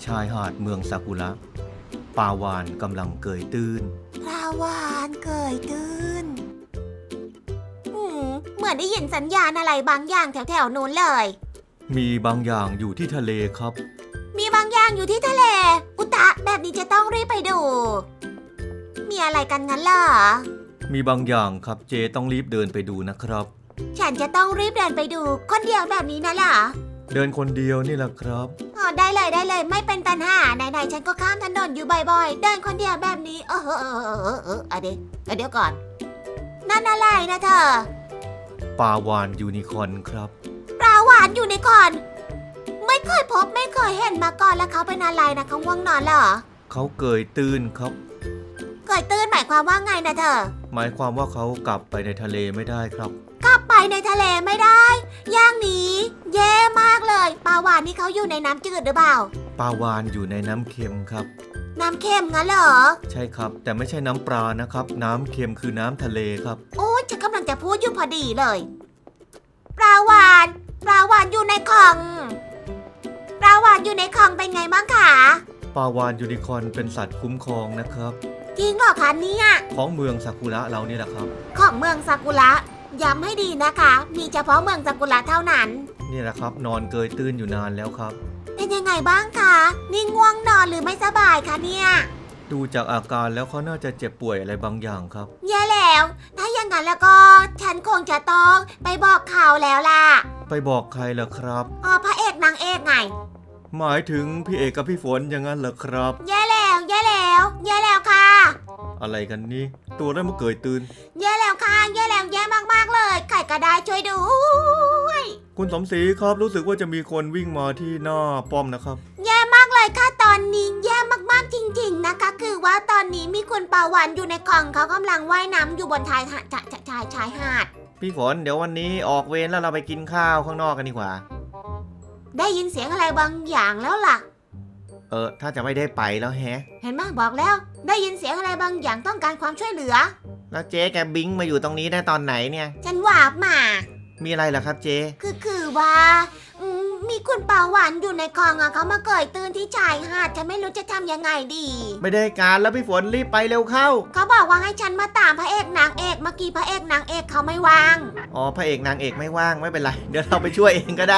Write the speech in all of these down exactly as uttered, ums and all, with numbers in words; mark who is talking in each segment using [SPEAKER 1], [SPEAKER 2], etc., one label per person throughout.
[SPEAKER 1] ชายหาดเมืองซากุระปลาวาฬกำลังเกยตื้น
[SPEAKER 2] ปลาวาฬเกยตื้นอืมเหมือนได้ยินสัญญาณอะไรบางอย่างแถวๆนู้นเลย
[SPEAKER 1] มีบางอย่างอยู่ที่ทะเลครับ
[SPEAKER 2] มีบางอย่างอยู่ที่ทะเลอุตะแบบนี้จะต้องรีบไปดูมีอะไรกันงั้นล่ะ
[SPEAKER 1] มีบางอย่างครับเจต้องรีบเดินไปดูนะครับ
[SPEAKER 2] ฉันจะต้องรีบเดินไปดูคนเดียวแบบนี้นะล่ะ
[SPEAKER 1] เดินคนเดียวนี่แหละครับ
[SPEAKER 2] อ๋อได้เลยได้เลยไม่เป็นปัญหาไหนๆฉันก็ข้ามถนนอยู่บ่อยๆเดินคนเดียวแบบนี้เออเออเออเออเออเออเดี๋ยวเดี๋ยวก่อนนั่นอะไรนะเธอ
[SPEAKER 1] ปลาวาฬยูนิคอร์นครับ
[SPEAKER 2] ปลาวาฬยูนิคอร์นไม่เคยพบไม่เคยเห็นมาก่อนแล้วเขาเป็นอะไรนะเขาง่วงนอนเหรอ
[SPEAKER 1] เขาเกยตื้นครับ
[SPEAKER 2] เกยตื้นหมายความว่าไงนะเธอ
[SPEAKER 1] หมายความว่าเขากลับไปในทะเลไม่ได้ครับ
[SPEAKER 2] กลับไปในทะเลไม่ได้อย่างนี้แย่มากเลยปลาวาฬนี่เขาอยู่ในน้ำจืดหรือเปล่า
[SPEAKER 1] ปลาวาฬอยู่ในน้ำเค็มครับ
[SPEAKER 2] น้ำเค็มงั้นเหรอ
[SPEAKER 1] ใช่ครับแต่ไม่ใช่น้ำปลานะครับน้ำเค็มคือน้ำทะเลครับ
[SPEAKER 2] โอ้ยฉันกำลังจะพูดอยู่พอดีเลยปลาวาฬปลาวาฬอยู่ในคลองปลาวาฬอยู่ในคลองเป็นไงบ้างคะ
[SPEAKER 1] ปลาวาฬยูนิคอร์นเป็นสัตว์คุ้มครองนะครับ
[SPEAKER 2] จริงเหรอคะเนี่ย
[SPEAKER 1] ของเมืองซากุระเรานี่แหละครับ
[SPEAKER 2] ของเมืองซากุระย้ำให้ดีนะคะมีเฉพาะเมืองซากุระเท่านั้น
[SPEAKER 1] นี่แหละครับนอนเกยตื้นอยู่นานแล้วครับ
[SPEAKER 2] เป็นยังไงบ้างคะนี่ง่วงนอนหรือไม่สบายคะเนี่ย
[SPEAKER 1] ดูจากอาการแล้วเขาน่าจะเจ็บป่วยอะไรบางอย่างครับ
[SPEAKER 2] แย่แล้วถ้าอย่างนั้นแล้วก็ฉันคงจะต้องไปบอกข่าวแล้วล่ะ
[SPEAKER 1] ไปบอกใครล่ะครับ
[SPEAKER 2] อ๋อพระเอกนางเอกไง
[SPEAKER 1] หมายถึงพี่เอกกับพี่ฝนอย่างนั้นเหรอครับ
[SPEAKER 2] แย่แล้วแย่แล้วแย่แล้วค่ะ
[SPEAKER 1] อะไรกันนี่ตัวได้มาเกยตื่น
[SPEAKER 2] แย่แล้วค่ะแย่แล้วแย่มากๆเลยใครก็ได้ช่วยดู
[SPEAKER 1] คุณสมศรีครับรู้สึกว่าจะมีคนวิ่งมาที่หน้าป้อมนะครับ
[SPEAKER 2] แย่มากเลยค่ะตอนนี้แย่มากๆจริงๆนะคะคือว่าตอนนี้มีคุณปาวานอยู่ในกล่องเขากำลังว่ายน้ำอยู่บนชายหาดชายชายหาด
[SPEAKER 1] พี่ฝนเดี๋ยววันนี้ออกเวรแล้วเราไปกินข้าวข้างนอกกันดีกว่า
[SPEAKER 2] ได้ยินเสียงอะไรบางอย่างแล้วล่ะ
[SPEAKER 1] เออถ้าจะไม่ได้ไปแล้วแฮะ
[SPEAKER 2] เห็นไหมบอกแล้วได้ยินเสียงอะไรบางอย่างต้องการความช่วยเหลือ
[SPEAKER 1] แล้วเจ๊แกบิงมาอยู่ตรงนี้ได้ตอนไหนเนี่ย
[SPEAKER 2] ฉันวาบมา
[SPEAKER 1] มีอะไรเหรอครับเจ๊
[SPEAKER 2] คือคือว่ามีคุณปาหวานอยู่ในคลองอ่ะเขามาเกยตื้นที่ชายหาดฉันไม่รู้จะทำยังไงดี
[SPEAKER 1] ไม่ได้การแล้วพี่ฝนรีบไปเร็วเข้า
[SPEAKER 2] เขาบอกว่าให้ฉันมาตามพระเอกนางเอกเมื่อกี้พระเอกนางเอกเขาไม่ว่าง
[SPEAKER 1] อ๋อพระเอกนางเอกไม่ว่างไม่เป็นไรเดี๋ยวเราไปช่วยเองก็ได้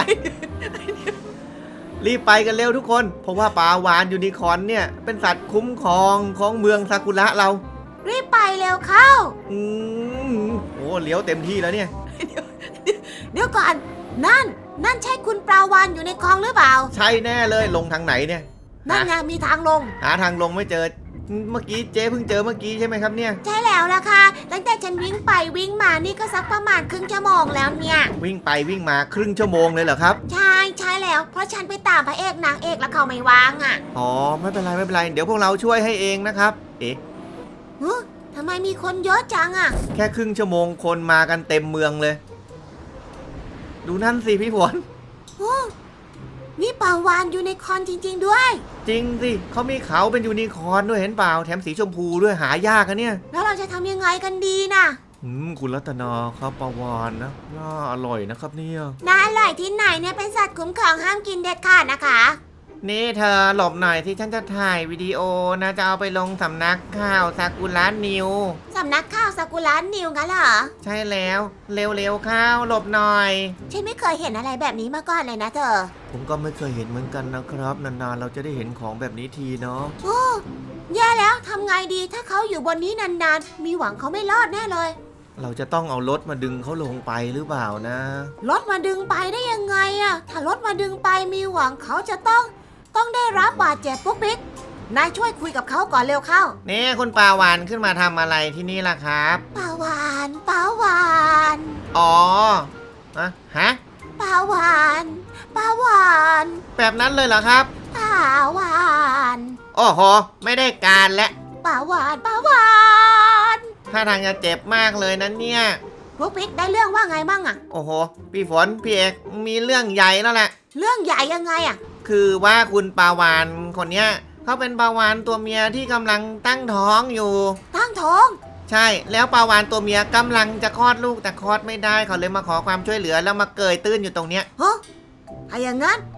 [SPEAKER 1] รีบไปกันเร็วทุกคนเพราะว่าปลาวาฬยูนิคอร์นเนี่ยเป็นสัตว์คุ้มครองของเมืองซากุระเรา
[SPEAKER 2] รีบไปเร็วเข้า
[SPEAKER 1] อืมโอ้เลี้ยวเต็มที่แล้วเนี่ย
[SPEAKER 2] เดี๋ยวก่อนนั่นนั่นใช่คุณปลาวาฬอยู่ในคลองหรือเปล่า
[SPEAKER 1] ใช่แน่เลยลงทางไหนเนี่ย
[SPEAKER 2] นั่นไงมีทางลง
[SPEAKER 1] หาทางลงไม่เจอเมื่อกี้เจ๊เพิ่งเจอเมื่อกี้ใช่ไหมครับเนี่ย
[SPEAKER 2] ใช่แล้วล่ะค่ะตั้งแต่ฉันวิ่งไปวิ่งมานี่ก็สักประมาณครึ่งชั่วโมงแล้วเนี่ย
[SPEAKER 1] วิ่งไปวิ่งมาครึ่งชั่วโมงเลยเหรอครับ
[SPEAKER 2] ใช่ใช่แล้วเพราะฉันไปตามพระเอกนางเอกแล้วเขาไม่ว่างอ่ะ
[SPEAKER 1] อ๋อไม่เป็นไรไม่เป็นไรเดี๋ยวพวกเราช่วยให้เองนะครับเอ๊ะ
[SPEAKER 2] ทำไมมีคนเยอะจังอ่ะ
[SPEAKER 1] แค่ครึ่งชั่วโมงคนมากันเต็มเมืองเลยดูนั่นสิพี่ฝน
[SPEAKER 2] นี่ปลาวาฬยูนิคอร์นจริงๆด้วย
[SPEAKER 1] จริงสิเขามีเขาเป็นยูนิคอร์นด้วยเห็นเปล่าแถมสีชมพูด้วยหายากอะเนี่ย
[SPEAKER 2] แล้วเราจะทำยังไงกันดีน่ะ
[SPEAKER 1] อืมคุณรัตนาครับปลาวาฬนะน่าอร่อยนะครับเนี่ย
[SPEAKER 2] น่าอร่อยที่ไหนเนี่ยเป็นสัตว์คุ้มครองห้ามกินเด็ดขาดนะคะ
[SPEAKER 1] นี่เธอหลบหน่อยที่ฉันจะถ่ายวิดีโอนะจะเอาไปลงสำนักข่าวซากุระนิว
[SPEAKER 2] สำนักข่าวซากุระนิวงั้นเหรอ
[SPEAKER 1] ใช่แล้วเร็วๆข้าวหลบหน่อย
[SPEAKER 2] ฉันไม่เคยเห็นอะไรแบบนี้มาก่อนเลยนะเธอ
[SPEAKER 1] ผมก็ไม่เคยเห็นเหมือนกันนะครับนานๆเราจะได้เห็นของแบบนี้ทีเนาะ
[SPEAKER 2] โอ้แย่แล้วทำไงดีถ้าเขาอยู่บนนี้นานๆมีหวังเขาไม่รอดแน่เลย
[SPEAKER 1] เราจะต้องเอารถมาดึงเขาลงไปหรือเปล่านะ
[SPEAKER 2] รถมาดึงไปได้ยังไงอะถ้ารถมาดึงไปมีหวังเขาจะต้องต้องได้รับบาดเจ็บปุ๊กปิ๊กนายช่วยคุยกับเขาก่อนเร็วเข้า
[SPEAKER 1] นี่คุณปลาวาฬขึ้นมาทำอะไรที่นี่ล่ะครับ
[SPEAKER 2] ปลาวาฬปลาวาฬ
[SPEAKER 1] อ๋ออะฮะ
[SPEAKER 2] ปลาวาฬปลาวาฬ
[SPEAKER 1] แบบนั้นเลยเหรอครับ
[SPEAKER 2] ปลาวาฬ
[SPEAKER 1] โอ้โหไม่ได้การและ
[SPEAKER 2] ปลาวาฬปลาวาฬ
[SPEAKER 1] ถ้าทางจะเจ็บมากเลยนั้นเนี่ย
[SPEAKER 2] ปุ๊กปิ๊กได้เรื่องว่าไงบ้างอะ
[SPEAKER 1] โอ้โหพี่ฝนพี่เอกมีเรื่องใหญ่แล้วแหละ
[SPEAKER 2] เรื่องใหญ่ยังไงอะ
[SPEAKER 1] คือว่าคุณปลาวาฬคนเนี้ยเขาเป็นปลาวาฬตัวเมียที่กำลังตั้งท้องอยู่
[SPEAKER 2] ตั้งท้อง
[SPEAKER 1] ใช่แล้วปลาวาฬตัวเมียกำลังจะคลอดลูกแต่คลอดไม่ได้เขาเลยมาขอความช่วยเหลือแล้วมาเกยตื้นอยู่ตรงเนี้ย
[SPEAKER 2] ฮะถ้าอย่างนั้น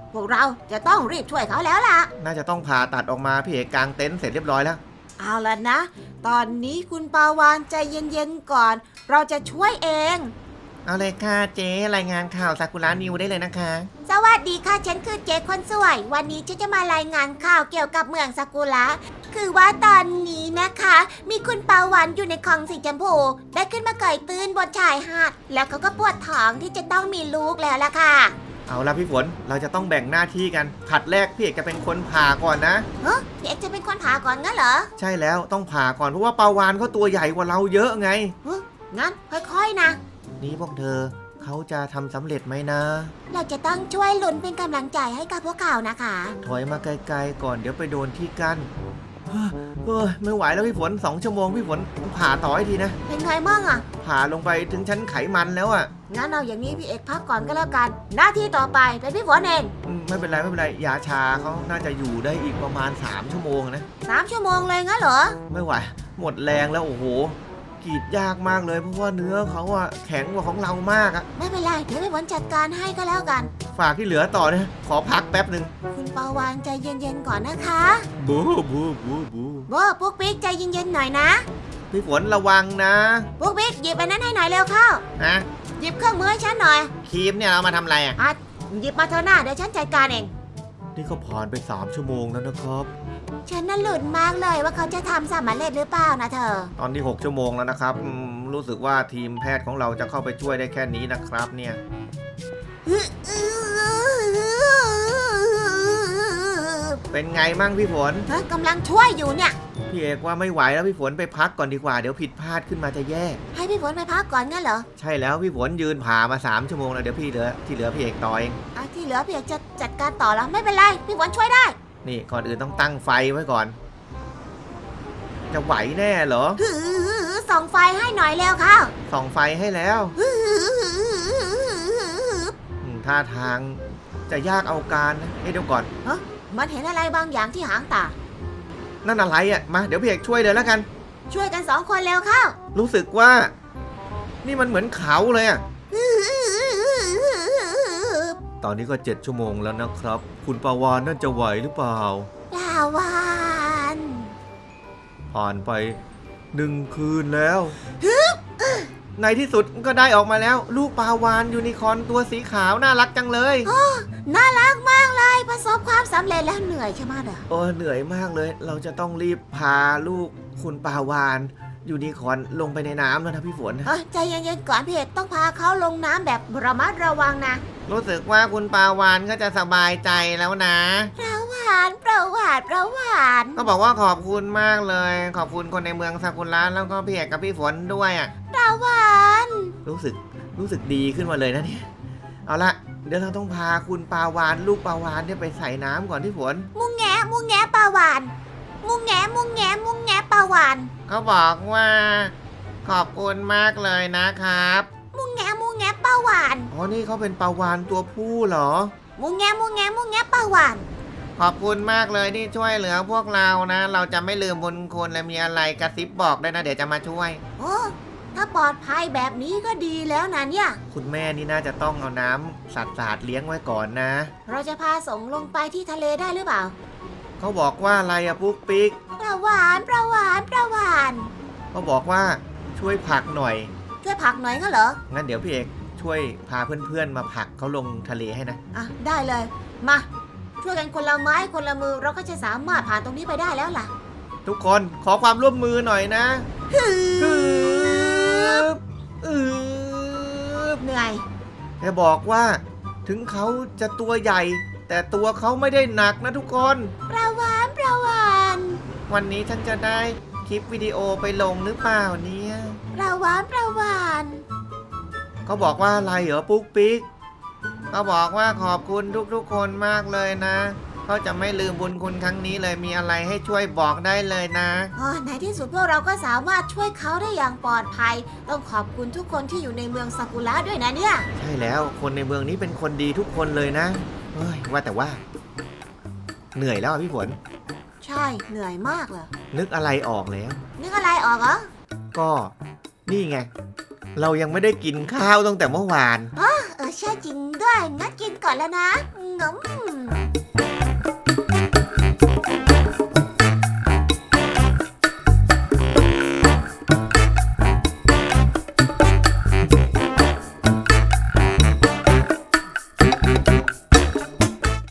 [SPEAKER 2] พวกเราจะต้องรีบช่วยเขาแล้วล่ะ
[SPEAKER 1] น่าจะต้องผ่าตัดออกมาพี่เอกกางเต็นท์เสร็จเรียบร้อยแล้ว
[SPEAKER 2] เอาล่ะนะ ตอนนี้คุณปาวานใจเย็นๆก่อน เราจะช่วยเอง
[SPEAKER 1] เอาเลยค่ะเจ๊รายงานข่าวซากุระนิวได้เลยนะคะ
[SPEAKER 2] สวัสดีค่ะ ฉันคือเจ๊คนสวย วันนี้ฉันจะมารายงานข่าวเกี่ยวกับเมืองซากุระ คือว่าตอนนี้นะคะ มีคุณปาวันอยู่ในคลองสีชมพูได้ขึ้นมาเกยตื้นบนชายหาด แล้วเขาก็ปวดท้องที่จะต้องมีลูกแล้วล่ะค่ะ
[SPEAKER 1] เอาละพี่ฝนเราจะต้องแบ่งหน้าที่กันผัดแรกพี่เอกจะเป็นคนผ่าก่อนนะ
[SPEAKER 2] เฮ้ยพี่เอกจะเป็นคนผ่าก่อนงั้นเหรอ
[SPEAKER 1] ใช่แล้วต้องผ่าก่อนเพราะว่าปลาวานเขาตัวใหญ่กว่าเราเยอะไง
[SPEAKER 2] เฮ้ยงั้นค่อยๆนะ
[SPEAKER 1] นี่พวกเธอเขาจะทำสำเร็จไหมนะ
[SPEAKER 2] เราจะต้องช่วยลุ้นเป็นกำลังใจให้กับพวกเขานะคะ
[SPEAKER 1] ถอยมาไกลๆก่อนเดี๋ยวไปโดนที่กั้นเฮ้ยเฮ้ยไม่ไหวแล้วพี่ฝนสองชั่วโมงพี่ฝนผ่าต่อให้ทีนะ
[SPEAKER 2] เป็นไงบ้างอะ
[SPEAKER 1] ผ่าลงไปถึงชั้นไขมันแล้วอ่ะ
[SPEAKER 2] งั้นเอาอย่างนี้พี่เอกพักก่อนก็แล้วกัน หน้าที่ต่อไปเป็นพี่ฝนเอง
[SPEAKER 1] อืมไม่เป็นไรไม่เป็นไรยาชาเขาน่าจะอยู่ได้อีกประมาณสามชั่วโมงนะ
[SPEAKER 2] สามชั่วโมงเลยงั้นเหรอ
[SPEAKER 1] ไม่ไหวหมดแรงแล้วโอ้โหกรีดยากมากเลยเพราะว่าเนื้อเขาอะแข็งกว่าของเรามากอะ
[SPEAKER 2] ไม่เป็นไร เดี๋ยวพี่ฝนจัดการให้ก็แล้วกัน
[SPEAKER 1] ฝากที่เหลือต่อนะขอพักแป๊บหนึ่ง
[SPEAKER 2] คุณปาวานใจเย็นๆก่อนนะคะ
[SPEAKER 1] บูบูบูบู
[SPEAKER 2] โบปุ๊กปิ๊กใจเย็นๆหน่อยนะ
[SPEAKER 1] พี่ฝนระวังนะ
[SPEAKER 2] ปุ๊กปิ๊กหยิบอันนั้นให้หน่อยเร็วเข้า
[SPEAKER 1] ฮะ
[SPEAKER 2] หยิบเครื่องมือให้ฉันหน่อย
[SPEAKER 1] ครีมเนี่ยเรามาทำอะไรอะ
[SPEAKER 2] อ่ะหยิบมาเถอะหน้าเดี๋ยวฉันจัดการเอง
[SPEAKER 1] นี่ก็ผ่านไปสามชั่วโมงแล้วนะครับ
[SPEAKER 2] ฉันน่ะหลุดมากเลยว่าเขาจะทำสำเร็จหรือเปล่านะเธอ
[SPEAKER 1] ตอนที่หกชั่วโมงแล้วนะครับอืมรู้สึกว่าทีมแพทย์ของเราจะเข้าไปช่วยได้แค่นี้นะครับเนี่ยเป็นไงมั่งพี่ฝน
[SPEAKER 2] เฮ้ยกำลังช่วยอยู่เนี่ย
[SPEAKER 1] พี่เอกว่าไม่ไหวแล้วพี่ฝนไปพักก่อนดีกว่าเดี๋ยวผิดพลาดขึ้นมาจะแย่
[SPEAKER 2] ให้พี่ฝนไปพักก่อนงั้นเหรอ
[SPEAKER 1] ใช่แล้วพี่ฝนยืนผ่ามาสามชั่วโมงแล้วเดี๋ยวพี่เหลือที่เหลือพี่เอกต่อเอง
[SPEAKER 2] อ่ะที่เหลือพี่เอกจะจัดการต่อแล้วไม่เป็นไรพี่ฝนช่วยได้
[SPEAKER 1] นี่ก่อนอื่นต้องตั้งไฟไว้ก่อน จะไหวแน่เหรอ
[SPEAKER 2] หือส่องไฟให้หน่อยเร็วเข้า
[SPEAKER 1] ส่องไฟให้แล้วอืมท่าทางจะยากเอาการนะเฮ้ยเดี๋ยวก่อน
[SPEAKER 2] มันเห็นอะไรบางอย่างที่หางตา
[SPEAKER 1] นั่นอะไรอ่ะมาเดี๋ยวพี่เอกช่วยเลยแล้วกัน
[SPEAKER 2] ช่วยกันสองคนเร็วเข้า
[SPEAKER 1] รู้สึกว่า นี่มันเหมือนเขาเลยอ่ะตอนนี้ก็เจ็ดชั่วโมงแล้วนะครับ คุณปาวานนั่นจะไหวหรือเปล่า
[SPEAKER 2] ปลาวาน
[SPEAKER 1] ผ่านไปหนึ่งคืนแล้ว ในที่สุดก็ได้ออกมาแล้ว ลูกปลาวานยูนิคอร์นตัวสีขาวน่ารักจังเลย
[SPEAKER 2] น่ารักมากเลยประสบความสำเร็จแล้วเหนื่อยใช่ไหมเด้อ
[SPEAKER 1] โอ้เหนื่อยมากเลย เราจะต้องรีบพาลูกคุณปลาวานยูนิคอร์นลงไปในน้ำแล้วนะพี่ฝน
[SPEAKER 2] เอ้ยใจเย็นๆก่อนพี่เอกต้องพาเขาลงน้ำแบบระมัดระวังนะ
[SPEAKER 1] รู้สึกว่าคุณปลาวานก็จะสบายใจแล้วนะ
[SPEAKER 2] ประหวานประหวานประหวาน
[SPEAKER 1] ก็บอกว่าขอบคุณมากเลย ขอบคุณคนในเมืองซากุระแล้วก็พี่เอกกับพี่ฝนด้วยอ่ะ
[SPEAKER 2] ประหวาน
[SPEAKER 1] รู้สึกรู้สึกดีขึ้นมาเลยนะเนี่ยเอาละเดี๋ยวเราต้องพาคุณปลาวานลูกปลาวานเนี่ยไปใส่น้ำก่อนพี่ฝน
[SPEAKER 2] มุงแงะมุงแงะประหวานมุงแงะมุงแงะมุงแงะประหวาน
[SPEAKER 1] เขาบอกว่า ขอบคุณมากเลยนะครับ
[SPEAKER 2] มุงแงะมุงแงะประหวาน
[SPEAKER 1] อ๋อนี่เขาเป็นปลาวานตัวผู้เหรอ
[SPEAKER 2] มุงแงะมุงแงะมุงแงะประหวาน
[SPEAKER 1] ขอบคุณมากเลยที่ช่วยเหลือพวกเรานะ เราจะไม่ลืมบุญคุณและมีอะไรกระซิบบอกด้วยนะเดี๋ยวจะมาช่วย
[SPEAKER 2] โอ้ถ้าปลอดภัยแบบนี้ก็ดีแล้วนะเนี่ย
[SPEAKER 1] คุณแม่นี่น่าจะต้องเอาน้ำสัตว์สาดเลี้ยงไว้ก่อนนะ
[SPEAKER 2] เราจะพาส่งลงไปที่ทะเลได้หรือเปล่า
[SPEAKER 1] เขาบอกว่าอะไรอะปุ๊กปิ๊ก
[SPEAKER 2] ประหวานประหวานประหวาน
[SPEAKER 1] เขาบอกว่าช่วยผลักหน่อย
[SPEAKER 2] ช่วยผลักหน่อยก็เหรอ
[SPEAKER 1] งั้นเดี๋ยวพี่เอกช่วยพาเพื่อนๆมาผลักเขาลงทะเลให้นะ
[SPEAKER 2] อ่ะได้เลย มาช่วยกันคนละไม้คนละมือเราก็จะสามารถผ่านตรงนี้ไปได้แล้วล่ะ
[SPEAKER 1] ทุกคนขอความร่วมมือหน่อยนะ
[SPEAKER 2] ฮึ
[SPEAKER 1] ฮึบอึบ
[SPEAKER 2] เหนื่อย
[SPEAKER 1] จะบอกว่าถึงเขาจะตัวใหญ่ แต่ตัวเขาไม่ได้หนักนะทุกคน
[SPEAKER 2] ประหวานประหวาน
[SPEAKER 1] วันนี้ฉันจะได้คลิปวิดีโอไปลงหรือเปล่าเนี่ย
[SPEAKER 2] ประหวานประหวาน
[SPEAKER 1] เขาบอกว่าอะไรเหรอปุ๊กปิ๊กเขาบอกว่าขอบคุณทุกๆคนมากเลยนะเขาจะไม่ลืมบุญคุณครั้งนี้เลยมีอะไรให้ช่วยบอกได้เลยนะ
[SPEAKER 2] อ๋อในที่สุดพวกเราก็สามารถช่วยเขาได้อย่างปลอดภัย ต้องขอบคุณทุกคนที่อยู่ในเมืองซากุระด้วยนะเนี่ย
[SPEAKER 1] ใช่แล้วคนในเมืองนี้เป็นคนดีทุกคนเลยนะเฮ้ยว่าแต่ว่า เหนื่อยแล้วอะพี่ฝน
[SPEAKER 2] ใช่เหนื่อยมากเลย
[SPEAKER 1] นึกอะไรออกแล้ว
[SPEAKER 2] นึกอะไรออกเหรอ
[SPEAKER 1] ก็นี่ไง เรายังไม่ได้กินข้าวตั้งแต่เมื่อวาน
[SPEAKER 2] เออใช่จริงด้วยงั้นกินก่อนแล้วนะงม